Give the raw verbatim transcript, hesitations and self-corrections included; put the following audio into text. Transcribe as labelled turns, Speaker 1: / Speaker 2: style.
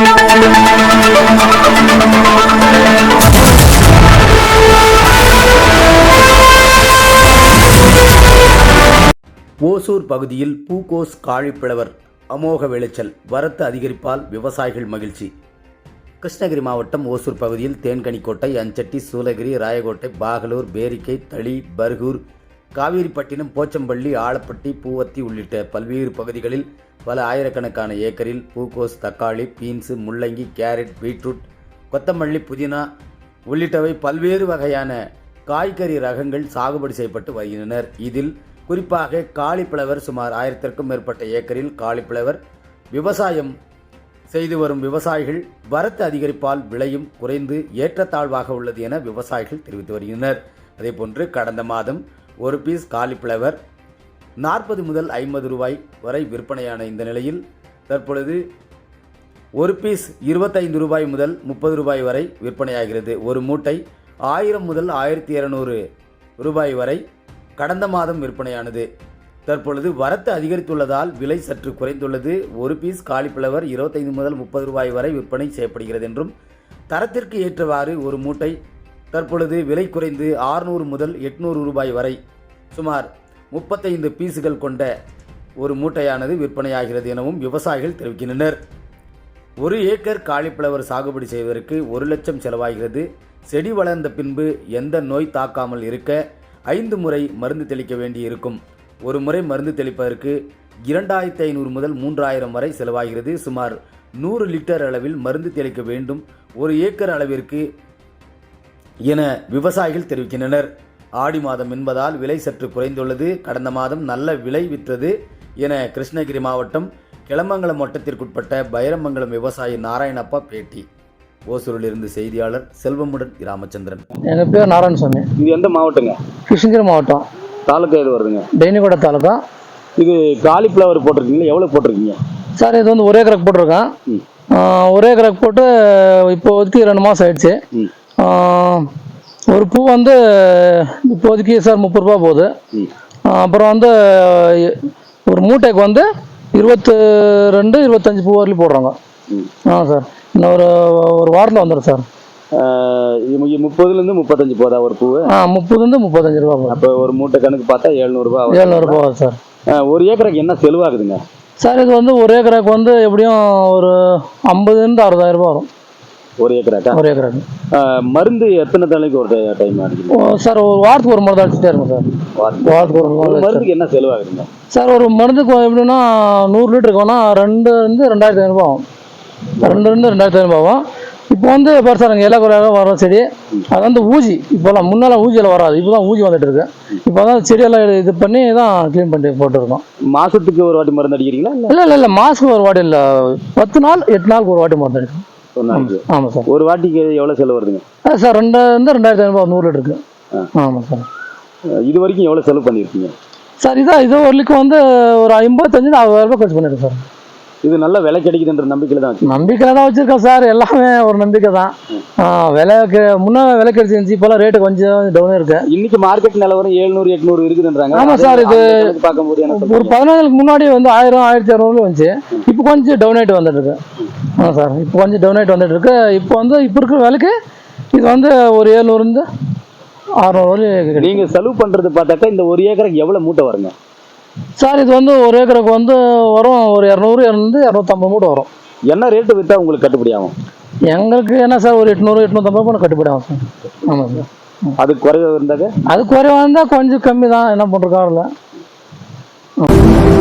Speaker 1: ஓசூர் பகுதியில் பூகோஸ் காலிஃப்ளவர் அமோக விளைச்சல், வரத்து அதிகரிப்பால் விவசாயிகள் மகிழ்ச்சி. கிருஷ்ணகிரி மாவட்டம் ஓசூர் பகுதியில் தேன்கனிக்கோட்டை, அஞ்சட்டி, சூளகிரி, ராயக்கோட்டை, பாகலூர், பேரிக்கை, தளி, பர்கூர், காவேரிப்பட்டினம், போச்சம்பள்ளி, ஆலப்பட்டி, பூவத்தி உள்ளிட்ட பல்வேறு பகுதிகளில் பல ஆயிரக்கணக்கான ஏக்கரில் பூகோஸ், தக்காளி, பீன்ஸு, முள்ளங்கி, கேரட், பீட்ரூட், கொத்தமல்லி, புதினா உள்ளிட்டவை பல்வேறு வகையான காய்கறி ரகங்கள் சாகுபடி செய்யப்பட்டு வருகின்றனர். இதில் குறிப்பாக காலிஃப்ளவர் சுமார் ஆயிரத்திற்கும் மேற்பட்ட ஏக்கரில் காலிஃப்ளவர் விவசாயம் செய்து வரும் விவசாயிகள் வரத்து அதிகரிப்பால் விலையும் குறைந்து ஏற்றத்தாழ்வாக உள்ளது என விவசாயிகள் தெரிவித்து வருகின்றனர். அதேபோன்று கடந்த மாதம் ஒரு பீஸ் காலிஃப்ளவர் நாற்பது முதல் ஐம்பது ரூபாய் வரை விற்பனையான இந்த நிலையில் தற்பொழுது ஒரு பீஸ் இருபத்தைந்து ரூபாய் முதல் முப்பது ரூபாய் வரை விற்பனையாகிறது. ஒரு மூட்டை ஆயிரம் முதல் ஆயிரத்தி இருநூறு ரூபாய் வரை கடந்த மாதம் விற்பனையானது. தற்பொழுது வரத்து அதிகரித்துள்ளதால் விலை சற்று குறைந்துள்ளது. ஒரு பீஸ் காலிஃப்ளவர் இருபத்தைந்து முதல் முப்பது ரூபாய் வரை விற்பனை செய்யப்படுகிறது என்றும், தரத்திற்கு ஏற்றவாறு ஒரு மூட்டை தற்பொழுது விலை குறைந்து ஆறுநூறு முதல் எட்நூறு ரூபாய் வரை சுமார் முப்பத்தைந்து பீஸுகள் கொண்ட ஒரு மூட்டையானது விற்பனையாகிறது எனவும் விவசாயிகள் தெரிவிக்கின்றனர். ஒரு ஏக்கர் காலிஃப்ளவர் சாகுபடி செய்வதற்கு ஒரு லட்சம் செலவாகிறது. செடி வளர்ந்த பின்பு எந்த நோய் தாக்காமல் இருக்க ஐந்து முறை மருந்து தெளிக்க வேண்டி இருக்கும். ஒரு முறை மருந்து தெளிப்பதற்கு இரண்டாயிரத்தி ஐநூறு முதல் மூன்றாயிரம் வரை செலவாகிறது. சுமார் நூறு லிட்டர் அளவில் மருந்து தெளிக்க வேண்டும் ஒரு ஏக்கர் அளவிற்கு என விவசாயிகள் தெரிவிக்கின்றனர். ஆடி மாதம் என்பதால் விலை சற்று குறைந்துள்ளது. கடந்த மாதம் நல்ல விலை விற்றது என கிருஷ்ணகிரி மாவட்டம் கிளமங்கலம் வட்டத்திற்குட்பட்ட பைரமங்கலம் விவசாயி நாராயணப்பா பேட்டி. ஓசூரிலிருந்து செய்தியாளர் செல்வமுடன் ராமச்சந்திரன்.
Speaker 2: எங்கள் பேர் நாராயணசாமி.
Speaker 3: இது எந்த மாவட்டங்க?
Speaker 2: கிருஷ்ணகிரி மாவட்டம்.
Speaker 3: தாலுக்கா எது வருதுங்க?
Speaker 2: டெய்னிகோட தாலுக்கா.
Speaker 3: இது காலிஃப்ளவர் போட்டிருக்கீங்களா? எவ்வளோ போட்டிருக்கீங்க
Speaker 2: சார்? இது வந்து ஒரே ஏக்கருக்கு போட்டிருக்கேன். ஒரே ஏக்கருக்கு போட்டு இப்போதைக்கு ரெண்டு மாதம் ஆயிடுச்சு. ஒரு பூ வந்து இப்போதைக்கு சார் முப்பது ரூபா போகுது. அப்புறம் வந்து ஒரு மூட்டைக்கு வந்து இருபத்து ரெண்டு இருபத்தஞ்சி பூ வரலையும் போடுறாங்க. ஆ சார், இன்னும் ஒரு ஒரு வாரத்தில் வந்துடும் சார்.
Speaker 3: முப்பதுலேருந்து முப்பத்தஞ்சு போதா ஒரு பூ?
Speaker 2: ஆ, முப்பதுலேருந்து முப்பத்தஞ்சு ரூபா போகும்.
Speaker 3: அப்போ ஒரு மூட்டை கணக்கு பார்த்தா எழுநூறுபா
Speaker 2: எழுநூறுபா ஆகுது சார்.
Speaker 3: ஒரு ஏக்கருக்கு என்ன செலவாகுதுங்க
Speaker 2: சார்? இது வந்து ஒரு ஏக்கருக்கு வந்து எப்படியும் ஒரு ஐம்பதுலேருந்து அறுபதாயிரம் ரூபா வரும்
Speaker 3: ஒரு ஏக்கராக்கா? ஒரு ஏக்கராக்கு. மருந்து எத்தனை தலைக்கு ஒரு டைம் அடிக்கும்
Speaker 2: சார்? ஒரு வாரத்துக்கு ஒரு மருந்து அடிச்சுட்டே இருக்கும் சார். வாரத்துக்கு ஒரு
Speaker 3: மருந்துக்கு என்ன செலவாகுதுங்க
Speaker 2: சார்? ஒரு மருந்துக்கு எப்படின்னா நூறு லிட்டருக்கு வேணால் ரெண்டு இருந்து ரெண்டாயிரத்தி ஐநூறுபா ஆகும். ரெண்டு இருந்து ரெண்டாயிரத்தி ஐநூறுபா ஆகும். இப்போ வந்து பெருசாக நாங்கள் இலை குறையாக வர செடி அது வந்து ஊசி, இப்போலாம் முன்னெல்லாம் ஊசியில் வராது, இப்போ தான் ஊசி வந்துட்டு இருக்கு. இப்போ தான் செடியெல்லாம் இது பண்ணி தான் க்ளீன் பண்ணி போட்டுருக்கோம்.
Speaker 3: மாதத்துக்கு ஒரு வாட்டி மருந்து அடிக்கிறீங்களா?
Speaker 2: இல்லை இல்லை இல்லை மாதத்துக்கு ஒரு வாட்டி இல்லை, பத்து நாள் எட்டு நாளுக்கு ஒரு வாட்டி மருந்து அடிக்கும். ஆமாம் சார்.
Speaker 3: ஒரு வாட்டிக்கு எவ்வளோ செலவு வருதுங்க
Speaker 2: சார்? ரெண்டு இருந்து ரெண்டாயிரத்தி ஐநூறுபா நூறு லிட்டருக்கு. ஆமாம் சார்.
Speaker 3: இது வரைக்கும் எவ்வளோ செலவு பண்ணியிருக்கீங்க
Speaker 2: சார்? இதான் இது வரலுக்கு வந்து ஒரு ஐம்பத்தஞ்சு அறுபதாயிரம் ரூபாய் கழிச்சு பண்ணியிருக்கேன் சார்.
Speaker 3: இது நல்ல விலை கிடைக்குதுன்ற நம்பிக்கையில் தான்
Speaker 2: நம்பிக்கையில் தான் வச்சுருக்கேன் சார். எல்லாமே ஒரு நம்பிக்கை தான். விலைக்கு முன்னே விலை கிடைச்சிருந்துச்சு, இப்போலாம் ரேட்டு கொஞ்சம் டவுனாக இருக்கு.
Speaker 3: இன்னைக்கு மார்க்கெட் நிலவரம் எழுநூறு எட்நூறு இருக்குதுன்றாங்க.
Speaker 2: ஆமாம் சார். இது
Speaker 3: பார்க்கும்போது
Speaker 2: ஒரு பதினாலுக்கு முன்னாடி வந்து ஆயிரம் ஆயிரத்தி இரநூறு வந்துச்சு. இப்போ கொஞ்சம் டவுன் ஆகிட்டு வந்துட்டு இருக்கு. ஆமாம் சார், இப்போ கொஞ்சம் டவுன் ஆகிட்டு வந்துட்டு இருக்கு. இப்போ வந்து இப்போ இருக்கிற விலைக்கு இது வந்து ஒரு ஏழுநூறுந்து அறுநூறு வரை.
Speaker 3: நீங்கள் செலவு பண்ணுறது பார்த்தாக்கா இந்த ஒரு ஏக்கருக்கு எவ்வளோ மூட்டை வருங்க
Speaker 2: சார்? இது வந்து ஒரு ஏக்கருக்கு வந்து வரும் ஒரு இரநூறு இரநூறு இரநூத்தம்பது மூட்டை வரும்.
Speaker 3: என்ன ரேட்டு விற்றா உங்களுக்கு கட்டுப்படி ஆகும்?
Speaker 2: எங்களுக்கு என்ன சார், ஒரு எட்நூறு எட்நூத்தம்பது ரூபா கட்டுப்படி ஆகும் சார். ஆமாம் சார்.
Speaker 3: அது குறைவாக இருந்தாக்க?
Speaker 2: அது குறைவாக இருந்தால் கொஞ்சம் கம்மி தான், என்ன பண்ணுறக்காரில்ல.